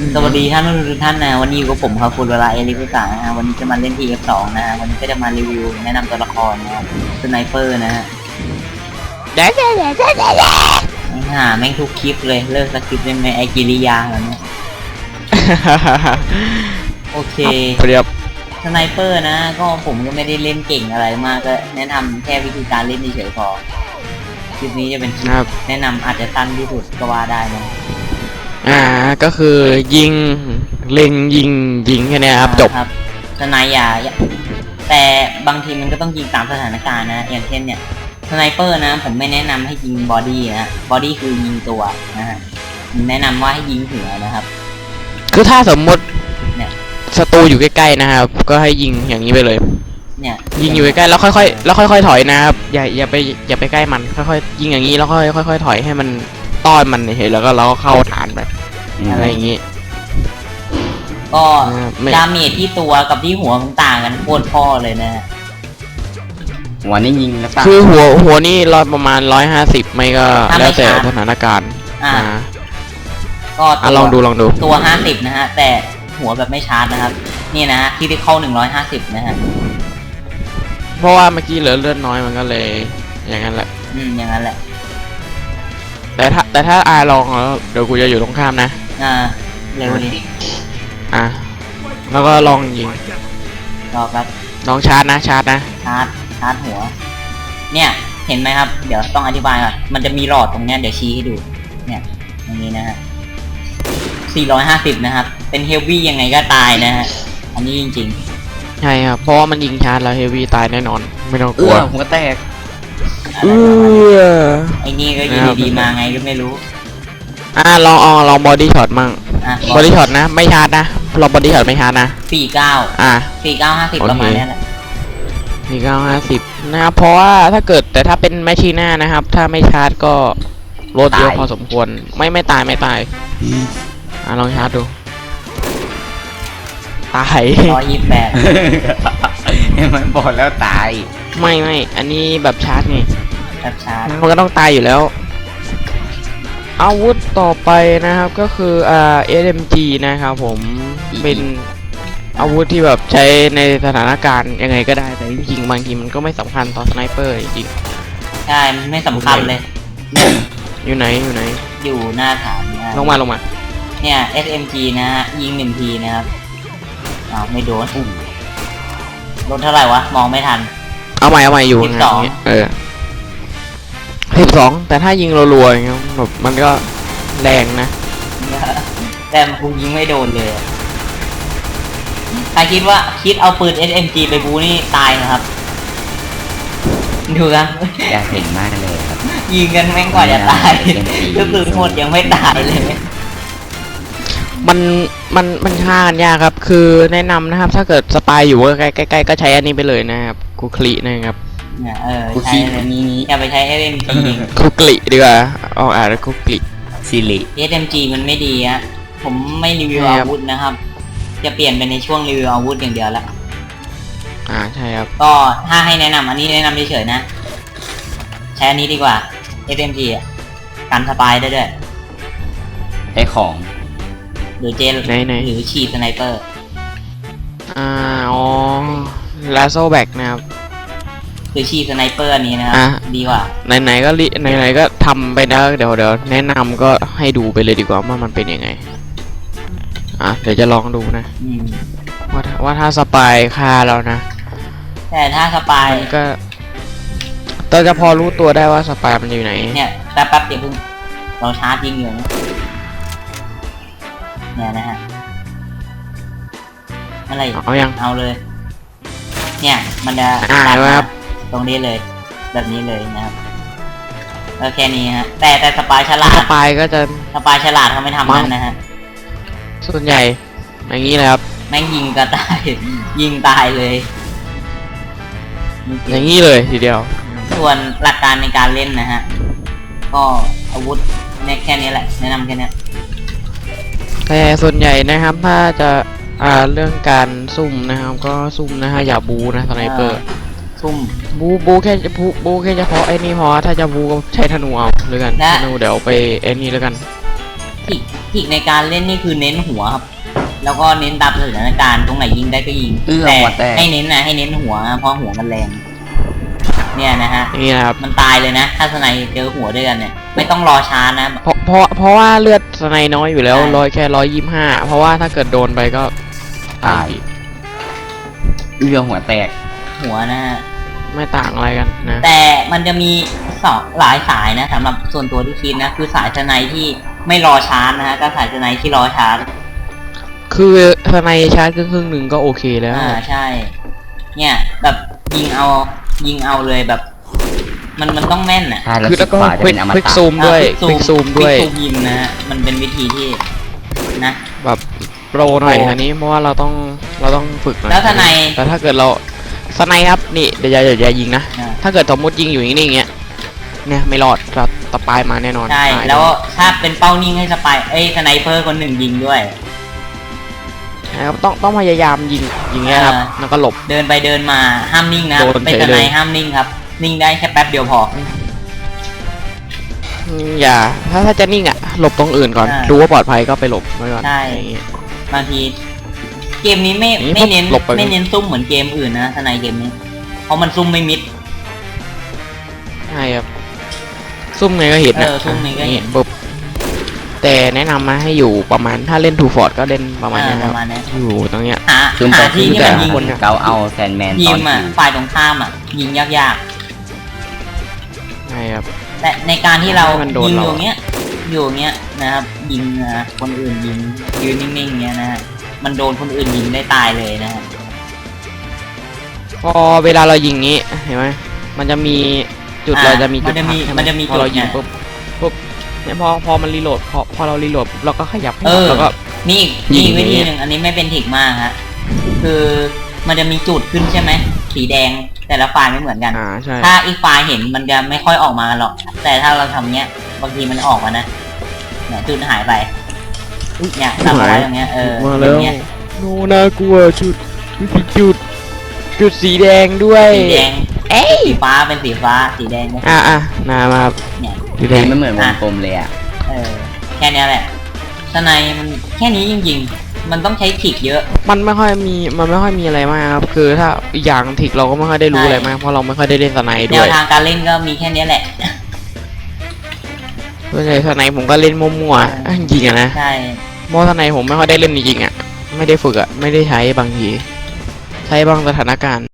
สวัสดีท่านทุกท่านนะวันนี้อยู่กับผมครับคุณเวลาเอลิกุสานะฮะวันนี้จะมาเล่น TF2 นะฮะวันนี้ก็จะมารีวิวแนะนำตัวละครนะครับสไนเปอร์นะฮะแม่งทุกคลิปเลยเลิกสคริปต์ได้ไหมไอกิริยาแล้วเนี่ยโอเคเรียบสไนเปอร์นะก็ผมก็ไม่ได้เล่นเก่งอะไรมากก็แนะนำแค่วิธีการเล่นเฉยๆพอคลิปนี้จะเป็นคลิปแนะนำอาจจะสั้นที่สุดก็ว่าได้นะก็คือยิงเล็งยิงแค่นี้ครับจบครับสไนอย่าแต่บางทีมันก็ต้องยิงตามสถานการณ์นะอย่างเช่นเนี่ยสไนเปอร์นะผมไม่แนะนำให้ยิงบอดี้นะบอดี้คือยิงตัวนะฮะแนะนำว่าให้ยิงหัวนะครับคือถ้าสมมติเนี่ยศัตรูอยู่ใกล้ๆนะครับก็ให้ยิงอย่างนี้ไปเลยเนี่ยยิงอยู่ใกล้ๆแล้วค่อยๆถอยนะครับอย่าไปใกล้มันค่อยๆยิงอย่างนี้แล้วค่อยๆถอยให้มันต้อนมันเห็นแล้วก็เราก็เข้าฐานไปอะไรอย่างนี้ก็ดาเมจที่ตัวกับที่หัวมันต่างกันโคตรพ่อเลยนะหัวนี่ยิงแล้วคือหัวนี่ประมาณ150ไม่ก็แล้วแต่สถานการณ์ก็ลองดูตัว50นะฮะแต่หัวแบบไม่ชาร์จนะครับนี่นะฮะที่ได้เข้า150นะฮะเพราะว่าเมื่อกี้เหลือเลือดน้อยมันก็เลยอย่างนั้นแหละอย่างนั้นแหละแต่ถ้าลองแล้วเดี๋ยวกูจะอยู่ตรงข้ามนะเร็วดิแล้วก็ลองยิงรอครับลองชาร์จนะชาร์จหัวเนี่ยเห็นไหมครับเดี๋ยวต้องอธิบายก่อนมันจะมีหลอดตรงเนี้ยเดี๋ยวชี้ให้ดูเนี่ยอย่างนี้นะฮะ450นะครับเป็นเฮฟวี่ยังไงก็ตายนะฮะอันนี้จริงๆใช่ครับเพราะว่ามันยิงชาร์จแล้วเฮฟวี่ตายแน่นอนไม่ต้องกลัวหัวแตกไอ้นี่ก็ยิงดีมาไงก็ไม่รู้ลองบอดี้ช็อตมั่งบอดี้ช็อตนะไม่ชาร์จนะลองบอดี้ช็อตไม่ชาร์จนะ 4950ประมาณนี้แหละ 4950นะครับเพราะว่าแต่ถ้าเป็นแมชชีน่านะครับถ้าไม่ชาร์จก็ลดเยอะพอสมควรไม่ตายลองชาร์จดูตาย 128 มันบอกแล้วตายไม่อันนี้แบบชาร์จไงแบบชาร์จมันก็ต้องตายอยู่แล้วอาวุธต่อไปนะครับก็คือSMG นะครับผมเป็นอาวุธที่แบบใช้ในสถานการณ์ยังไงก็ได้แต่จริงๆบางทีมันก็ไม่สำคัญต่อสไนเปอร์จริงใช่ไม่สำคัญเลยอยู่ไหนอยู่หน้าฐานลงมาเนี่ย SMG นะฮะยิง1ทีนะครับไม่โดนเท่าไหร่วะมองไม่ทันเอาใหม่อยู่12แต่ถ้ายิงรัวๆอย่างเงี้ยแบบมันก็แรงนะแต่กูยิงไม่โดนเลยใครคิดเอาปืน SMG ไปบูนี่ตายนะครับดูครับอยากเห็นมากเลยครับยิงกันแม่งกว่าจะตายก็คือหมดยังไม่ตายเลยมันฆ่ากันยากครับคือแนะนำนะครับถ้าเกิดสปายอยู่ใกล้ๆก็ใช้อันนี้ไปเลยนะครับกูคลีนะครับใช้นี้อย่าไปใช้ SMG คุกลิดีกว่าแล้วคุกลิซิลิ SMG มันไม่ดีอะผมไม่รีวิวอาวุธนะครับจะเปลี่ยนไปในช่วงรีวิวอาวุธอย่างเดียวแล้วใช่ครับก็ถ้าให้แนะนำอันนี้แนะนำเฉยๆนะใช้อันนี้ดีกว่า SMG กันสปายได้ด้วยได้ของหรือเจลหรือฉีดสไนเปอร์ลาโซแบกนะครับหรือฉีดสไนเปอร์นี้นะครับดีกว่าไหนก็ทำไปนะเดี๋ยวแนะนำก็ให้ดูไปเลยดีกว่าว่ามันเป็นยังไงเดี๋ยวจะลองดูนะว่าถ้าสปายฆ่าเรานะแต่ถ้าสปายก็เราจะพอรู้ตัวได้ว่าสปายมันอยู่ไหนเนี่ยแป๊บเดี๋ยวเพิ่งเราชาร์จยิงอยู่เนี่ยนะฮะอะไรเอาเลยเนี่ยมันจะครับตรงนี้เลยแบบนี้เลยนะครับแล้วแค่นี้ฮะแต่สปายฉลาดสปายก็จะสปายฉลาดเขาไม่ทำนั่นนะฮะส่วนใหญ่อย่างนี้เลยครับแม่งยิงก็ตายยิงตายเลยอย่างนี้เลยทีเดียวส่วนหลักการในการเล่นนะฮะก็อาวุธแค่นี้แหละแนะนำแค่นี้แต่ส่วนใหญ่นะครับถ้าจะเรื่องการซุ่มนะครับก็ซุ่มนะฮะอย่าบูนะสไนเปอร์ซุ่มบูแค่เฉพาะไอ้นี่พอถ้าจะบูก็ใช้ธนูเอาหรือกันธนูเดี๋ยวไปไอ้นี่แล้วกันทิกในการเล่นนี่คือเน้นหัวครับ แล้วก็เน้นตามสถานการณ์ตรงไหนยิงได้ก็ยิงแต่ให้เน้นหัวเพราะหัวมันแรงเนี่ยนะฮะนี่นะครับมันตายเลยนะถ้าสไนเจอหัวด้วยกันเนี่ยไม่ต้องรอช้านะเพราะว่าเลือดสไนน้อยอยู่แล้วใช่แค่125เพราะว่าถ้าเกิดโดนไปก็ตายหัวแตกหัวนะฮะไม่ต่างอะไรกันนะแต่มันจะมีหลายสายนะสำหรับส่วนตัวที่คิดนะคือสายสไนที่ไม่รอชาร์จนะฮะก็สายสไนที่รอชาร์จคือสไนชาร์จครึ่งหนึ่งก็โอเคแล้วใช่ เนี่ยแบบยิงเอาเลยแบบ มันต้องแม่นอ่ะใช่แล้วคือสิแล้บวก็กว่าจะควิเป็นอมกตะซูมด้วยควิกซูมด้วยควิกซูมยิงนะฮะมันเป็นวิธีที่นะแบบโปรหน่อยโปรอันนี้เพราะว่าเราต้องฝึกหน่อยแล้วทนายแต่ถ้าเกิดเราสไนครับนี่เดี๋ยวอย่ายิงนะอ่าถ้าเกิดสมมติยิงอยู่นิ่งๆอย่างเงี้ยเนี่ยไม่รอดเราตะปายมาแน่นอนใช่ตายแล้วถ้าเป็นเป้านิ่งให้สไนเปอร์คนหนึ่งยิงด้วยนะครับต้องพยายามยิงเงี้ยครับอ่าแล้วก็หลบเดินไปเดินมาห้ามนิ่งนะโดนเป็นเฉสยไนเลยห้ามนิ่งครับ นิ่งได้แค่แป๊บเดียวพออย่าถ้าจะนิ่งอ่ะหลบตรงอื่นก่อนอ่าดูว่าปลอดภัยก็ไปหลบไว้ก่อนใช่อย่างเงี้ยบางทีเกมนี้ไม่นี่ไม่เน้นหลบไปไม่เน้นซุ่มเหมือนเกมอื่นนะสไนเกมนี้เพราะมันซุ่มไม่มิดใช่ครับซุ่มไงก็เห็นนะซุ่มไงก็เห็นปุ๊บแต่แนะนำมาให้อยู่ประมาณถ้าเล่นทูฟอร์ดก็เล่นประมาณนี้ปครัระบมาณนี้อยู่ตรงเนี้ยซึมไปหาที่ที่มันยิงคนเกาเอาแซนแมนยิตอนมอ่ะที่ฝ่ายตรงข้ามอ่ะยิงยากใช่ครับๆแต่ในการที่เราให้มันโดนยิงเราอยู่เงี้ยนะครับยิงนะคนอื่นยิงยืนนิ่งๆเงี้ยนะฮะมันโดนคนอื่นยิงได้ตายเลยนะฮะพอเวลาเรายิงงี้เห็นไหมมันจะมีจุดเราจะมีจุดมันจะมีพอเรายิงจุดปุ๊บเนี่ยพอมันรีโหลดพอเรารีโหลดเราก็ขยับเนี่ยแล้วก็นี่อีกยินี่งวิธีอย่างเงี้ยหนึ่งอันนี้ไม่เป็นถิกมากฮะคือมันจะมีจุดขึ้นใช่ไหมสีแดงแต่ละฝ่ายไม่เหมือนกันใช่ถ้าอีกฝ่ายเห็นมันจะไม่ค่อยออกมาหรอก แต่ถ้าเราทำเนี้ยบางทีมันออกมานะเนี่ยจุดหายไปเนี่ยทำเอาไว้ตรงเนี้ยมาอแล้วย่างเงี้ยโนน่ากลัวจุดสีแดงด้วยสีแดงเอ้ยสีฟ้าเป็นสีฟ้าสีแดงเป็นมาครับเนี่ยสีแดงไม่เหมือนวงกลมเลยอ่ะแค่เนี้ยแหละสไนมันแค่นี้จริงๆมันต้องใช้ถิกเยอะมันไม่ค่อยมีอะไรมากครับคือถ้าอีกอย่างทิกเราก็ไม่ค่อยได้รู้ใช่อะไรมากเพราะเราไม่ค่อยได้เล่นสไนแนด้ววย ทางการเล่นก็มีแค่เนี้ยแหละส่วนใหญ่สไนผมก็เล่นมั่วๆจริงอะนะใช่เพราะสไนผมไม่ค่อยได้เล่นจริงๆอ่ะไม่ได้ฝึกอ่ะไม่ได้ใช้บางทีใช้บางสถานการณ์